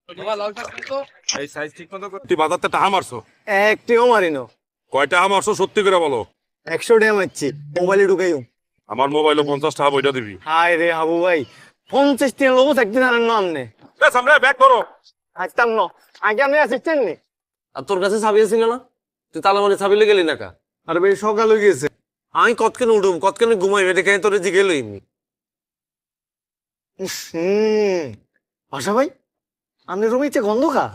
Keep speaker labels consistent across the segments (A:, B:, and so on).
A: এই সাইজ ঠিক মতো তুই বাজারতে টাকা মারছো?
B: একটিও মারিনো।
A: কয় টাকা মারছো সত্যি করে বলো।
B: 100 টাকা মারছি, মোবাইলে ঢুকাইও।
A: আমার মোবাইলে 50 টাকা বইটা দিবি।
B: হায় রে হাবু ভাই, 50 টাকা লোবো থাকতে জানেন না আপনি।
A: সামনে ব্যাক করো।
B: আসতাম না, আগে আপনি আসিস্টেন্ট নি।
C: আর তোর কাছে চাবি আছিল না? তুই তালা মানে চাবি গেলি না কা?
B: আরে ভাই সকাল হয়ে গেছে।
C: আমি কতক্ষণ উঠুম, কতক্ষণ ঘুমাইবে দেখে তোর জিগে লইনি।
B: আশা ভাই, আপনি রুমে ইচ্ছে গন্ধ খা।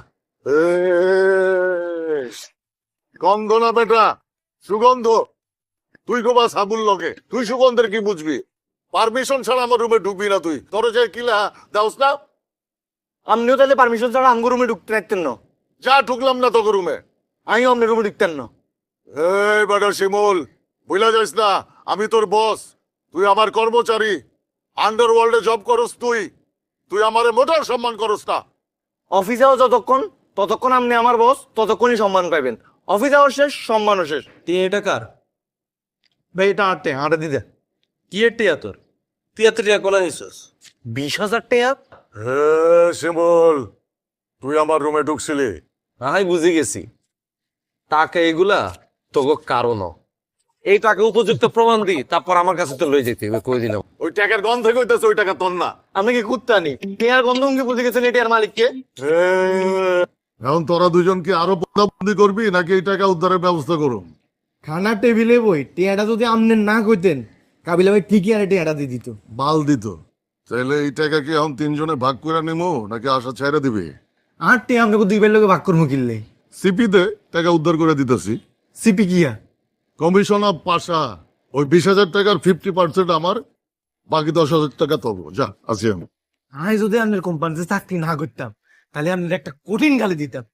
D: গন্ধ না বেটা, সুগন্ধ। তুই গোবা সাবুল লগে, তুই সুগন্ধের কি বুঝবি? পারমিশন ছাড়া আমার রুমে ঢুকবি না তুই। তোর যে কিলা দাওস না?
B: আপনিও তাহলে পারমিশন ছাড়া আমগো রুমে ঢুকতে পারতেন না।
D: যা ঢুকলাম না তোকে রুমে।
B: আমিও আপনার রুমে ঢুকতেন না।
D: এই বেটা শিমুল, বুঝলা যাস না আমি তোর বস, তুই আমার কর্মচারী। আন্ডারওয়ার্ল্ডে জব করস তুই, তুই আমারে মোটার সম্মান করস না।
B: অফিসেও ততক্ষণ আপনি আমার বস, ততক্ষণই সম্মান পাইবেন। অফিস আওয়ার শেষ, সম্মানও শেষ।
C: তুই এটা কার?
B: ভাই এটা হাঁটে দিতে।
C: কি এর টিয়া তোর? তুই এত টিয়া কোলা নিছিস?
B: 20,000 টাকা?
D: শিমুল, তুই আমার রুমে ঢুকছিলি?
C: আমি বুঝে গেছি, টাকা এগুলা তোকে কারণ এই টাকা উপযুক্ত প্রমাণ দি, তারপর আমার কাছে তো লই যেতে হবে, কই দিলাম।
D: ওই টাকার গন্ধ হইতেছে, ওই টাকা তোর না।
B: আপনি কি কুত্তানি? টিয়ার গন্ধ উঙ্গে বুঝে গেছেন এটিয়ার মালিককে?
D: এখন তোরা দুজন কি আরো বন্দি করবি নাকি এই টাকা উদ্ধারের ব্যবস্থা করুন?
E: খানার টেবিলে বই টিয়াটা যদি আপনি না কইতেন, কাবিলা ভাই ঠিকই আর টিয়াটা দিয়ে দিত।
D: বাল দিত। তাহলে এই টাকা কি এখন তিনজনে ভাগ করে নিমো নাকি আশা ছেড়ে দিবে?
E: আর টিয়া আপনাকে 2 বের লোকে ভাগ করবো কিনলে।
D: সিপিতে টাকা উদ্ধার করে দিতেছি।
E: সিপি কিয়া?
D: কমিশন অফ পাশা। ওই 20,000 টাকার 50% আমার, বাকি 10,000 টাকা তব। যা আছি আমি।
E: আমি যদি আপনার কোম্পানিতে চাকরি না করতাম, তাহলে আপনার একটা কঠিন গালি দিতাম।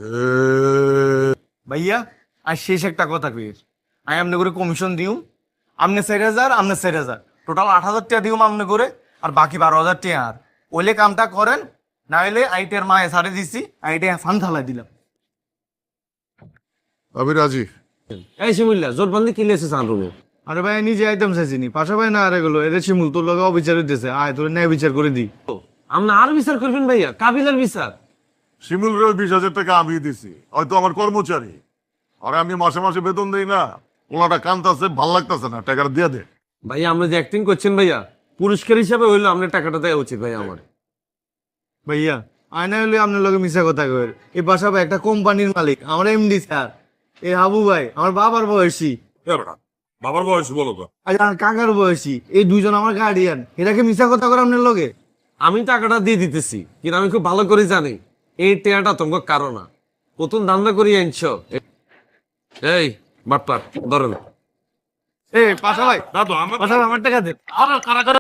E: ভাইয়া আর শেষ একটা কথা কই, আমি আপনি করে কমিশন দিও। আপনি 4,000, আপনি 4,000, টোটাল 8,000 টাকা দিও আপনি করে, আর বাকি 12,000 টাকা আর ওইলে কামটা করেন। না হলে আইটের মায়ে সারে দিছি, আইটে ফান থালাই দিলাম।
D: আমি রাজি।
C: এই শিমুল্লা জোটবন্দি কি লেছে সান রুমে?
E: আরে ভাই নিজে আইটেম চাইছিনি, পাশা ভাই না আর এগুলো এদের শিমুল তোর লগে অবিচার হইতেছে, আয় তোর ন্যায় বিচার করে দিই।
C: আমরা আর বিচার করবেন ভাইয়া, কাবিলার বিচার।
D: শিমুল রে 20,000 টাকা আমি দিছি, হয়তো আমার কর্মচারী। আর আমি মাসে মাসে বেতন দেই না। ওনাটা কান্তাছে, ভাল লাগতেছে না, টাকাটা দিয়ে দে।
C: ভাইয়া আমরা যে অ্যাক্টিং করছেন ভাইয়া, পুরস্কার হিসাবে হইলো আপনার টাকাটা দেওয়া উচিত ভাইয়া আমার।
E: ভাইয়া আয়না হলে আপনার লগে মিশা কথা কই, এই বাসা ভাই একটা কোম্পানির মালিক, আমার এমডি স্যার। এই হাবু ভাই আমার বাবার বয়সী,
A: বাবার বয়স বলো তো।
E: আর আমার কাকার বয়সী, এই দুইজন আমার গার্ডিয়ান। এটাকে মিশা কথা করে আপনার লগে?
C: আমি টাকাটা দিয়ে দিতেছি, কিন্তু আমি খুব ভালো করে জানি এই টেয়াটা তোমার কারণ না। প্রথম ধান্দা করি আনছ। এই বাটপার ধরেন।
E: এই পাশা ভাই,
A: দাদু আমার
E: পাশা ভাই আমার টাকা দেন।